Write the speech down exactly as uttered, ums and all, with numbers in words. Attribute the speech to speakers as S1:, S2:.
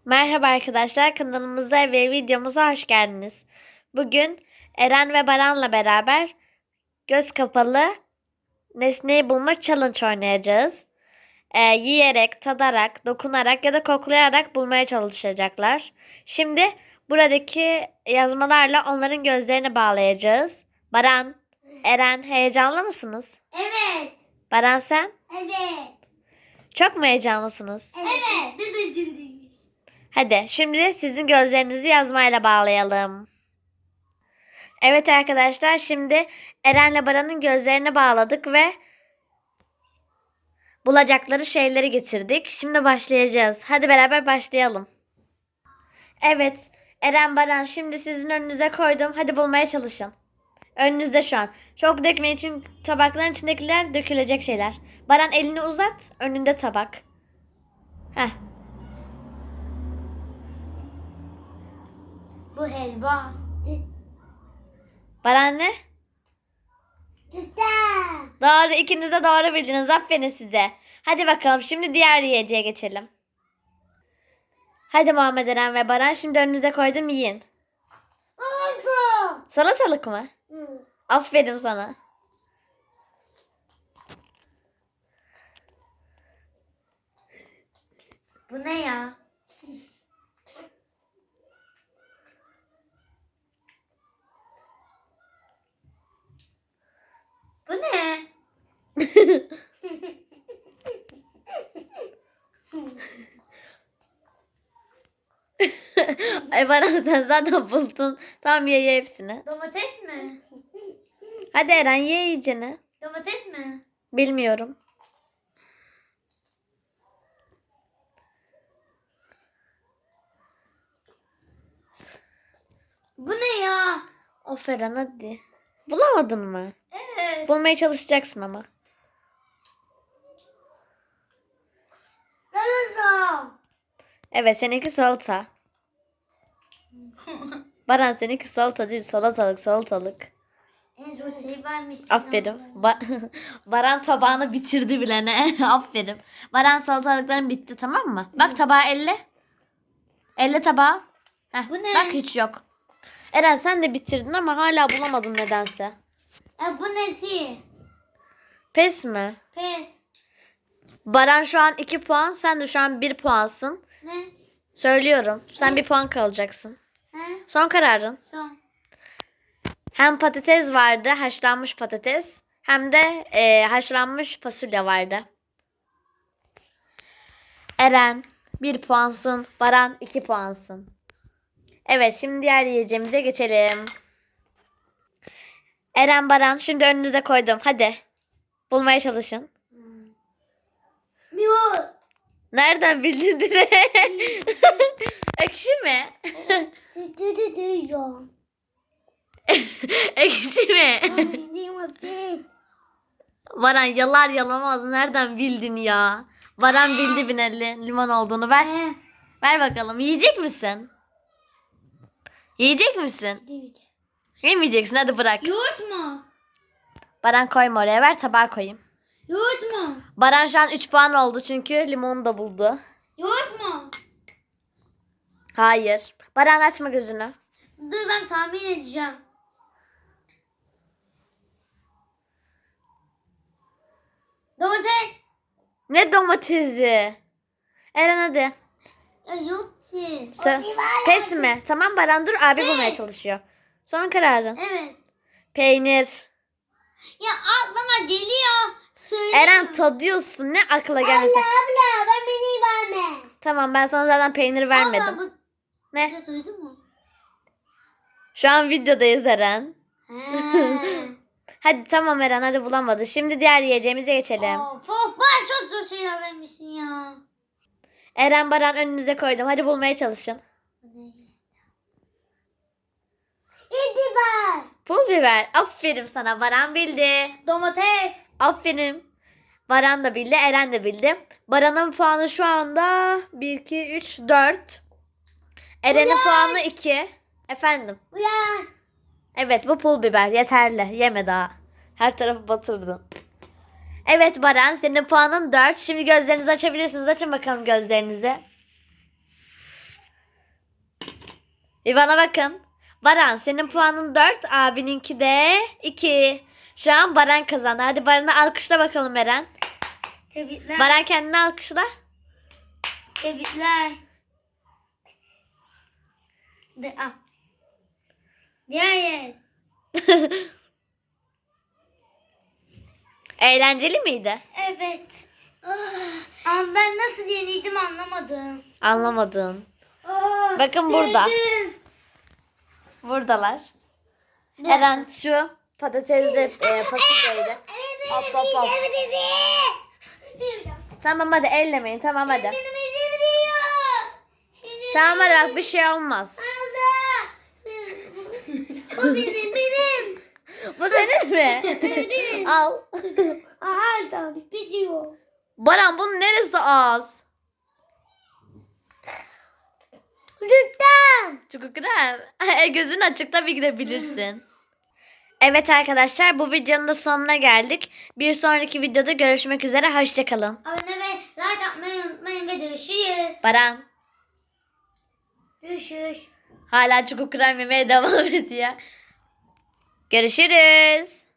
S1: Merhaba arkadaşlar, kanalımıza ve videomuza hoş geldiniz. Bugün Eren ve Baran'la beraber göz kapalı nesneyi bulma challenge oynayacağız. Ee, yiyerek, tadarak, dokunarak ya da koklayarak bulmaya çalışacaklar. Şimdi buradaki yazmalarla onların gözlerini bağlayacağız. Baran, Eren heyecanlı mısınız?
S2: Evet.
S1: Baran sen?
S2: Evet.
S1: Çok mu heyecanlısınız?
S2: Evet. Biz de ciddiyiz.
S1: Hadi şimdi sizin gözlerinizi yazmayla bağlayalım. Evet arkadaşlar, şimdi Eren'le Baran'ın gözlerini bağladık ve bulacakları şeyleri getirdik. Şimdi başlayacağız. Hadi beraber başlayalım. Evet Eren, Baran, şimdi sizin önünüze koydum. Hadi bulmaya çalışın. Önünüzde şu an. Çok dökmeyin çünkü tabakların içindekiler dökülecek şeyler. Baran elini uzat. Önünde tabak. Heh.
S2: Bu helva.
S1: Baran ne?
S2: Güzel.
S1: Doğru, ikiniz de doğru bildiniz. Aferin size. Hadi bakalım şimdi diğer yiyeceğe geçelim. Hadi Muhammed Eren ve Baran, şimdi önünüze koydum, yiyin.
S2: Oldu.
S1: Salatalık mı? Aferin sana.
S2: Bu ne ya? Bu ne?
S1: Ay Baran, sen zaten buldun. Tamam, ye ye hepsini.
S2: Domates mi?
S1: Hadi Eren, ye iyicene.
S2: Domates mi?
S1: Bilmiyorum.
S2: Bu ne ya?
S1: Of Eren, hadi. Bulamadın mı?
S2: Evet.
S1: Bulmaya çalışacaksın ama.
S2: Salata.
S1: Evet, seninki salata. Baran, seninki salata değil, salatalık salatalık.
S2: En zor şey vermişsin.
S1: Aferin. Ba- Baran tabağını bitirdi bile ne? Aferin. Baran, salatalıkların bitti, tamam mı? Bak tabağı elle. Elle tabağı. Heh,
S2: Bu ne?
S1: Bak hiç yok. Eren, sen de bitirdin ama hala bulamadın nedense.
S2: E, bu ne ki?
S1: Pes mi?
S2: Pes.
S1: Baran şu an iki puan. Sen de şu an bir puansın.
S2: Ne?
S1: Söylüyorum. Sen bir puan kalacaksın.
S2: He?
S1: Son kararın.
S2: Son.
S1: Hem patates vardı, haşlanmış patates. Hem de e, haşlanmış fasulye vardı. Eren bir puansın. Baran iki puansın. Evet, şimdi diğer yiyeceğimize geçelim. Eren, Baran, şimdi önünüze koydum. Hadi. Bulmaya çalışın.
S2: Miyol.
S1: Nereden bildin direkt? Ekşi mi?
S2: Dedi duyuyorum.
S1: Ekşi mi? Baran, yalar yalamaz. Nereden bildin ya? Baran bildi bineli limon olduğunu. Ver.
S2: He.
S1: Ver bakalım. Yiyecek misin? Yiyecek misin? Yemeyeceksin. Hadi bırak.
S2: Yoğurt mu?
S1: Baran, koyma oraya. Ver tabağa koyayım.
S2: Yoğurt mu?
S1: Baran şu an üç puan oldu çünkü limonu da buldu.
S2: Yoğurt mu?
S1: Hayır. Baran, açma gözünü.
S2: Dur ben tahmin edeceğim. Domates.
S1: Ne domatesi? Eren, hadi.
S2: Ya yok ki.
S1: Sen, pes mi? Tamam Baran, dur, abi bulmaya çalışıyor. Son kararın.
S2: Evet.
S1: Peynir.
S2: Ya aklıma geliyor. Söyle.
S1: Eren, tadıyorsun. Ne akla gelmesin.
S2: abla ben beni verme.
S1: Tamam, ben sana zaten peynir vermedim.
S2: Abla bu.
S1: Ne?
S2: Ya duydun mu?
S1: Şu an videodayız Eren.
S2: He.
S1: Hadi tamam Eren, hadi bulamadı. Şimdi diğer yiyeceğimize geçelim.
S2: Of of ben çok zor şeyler vermişsin ya.
S1: Eren, Baran, önünüze koydum. Hadi bulmaya çalışın.
S2: İdibar.
S1: Pul biber. Aferin sana. Baran bildi.
S2: Domates.
S1: Aferin. Baran da bildi. Eren de bildi. Baran'ın puanı şu anda bir, iki, üç, dört. Eren'in puanı iki. Efendim.
S2: Uyan.
S1: Evet, bu pul biber. Yeterli. Yeme daha. Her tarafı batırdın. Evet Baran, senin puanın dört. Şimdi gözlerinizi açabilirsiniz. Açın bakalım gözlerinizi. Bir bana bakın. Baran senin puanın dört, abininki de iki. Şu an Baran kazandı. Hadi Baran'ı alkışla bakalım Eren.
S2: Tebrikler.
S1: Baran kendini alkışla.
S2: Tebrikler. De, ah. Diğer yer.
S1: Eğlenceli miydi?
S2: Evet. Ama ben nasıl yeniydim anlamadım.
S1: Anlamadın.
S2: Ah,
S1: Bakın burada.
S2: yendim.
S1: Buradalar. Eren şu patatesli e, fasulyeydi. Hop hop hop. Tamam hadi ellemeyin. Tamam hadi. Tamam hadi bak bir şey olmaz.
S2: Bu benim benim.
S1: Bu senin mi?
S2: Benim.
S1: Al.
S2: Aha bitiyor.
S1: Baran bunun neresi az?
S2: Lütfen.
S1: Çok krem. E, gözün açık tabii ki de bilirsin. Evet arkadaşlar bu videonun da sonuna geldik. Bir sonraki videoda görüşmek üzere. Hoşçakalın.
S2: Abone ve like atmayı unutmayın ve görüşürüz.
S1: Baran
S2: Görüşürüz.
S1: hala çukur krem yemeye devam ediyor. Görüşürüz.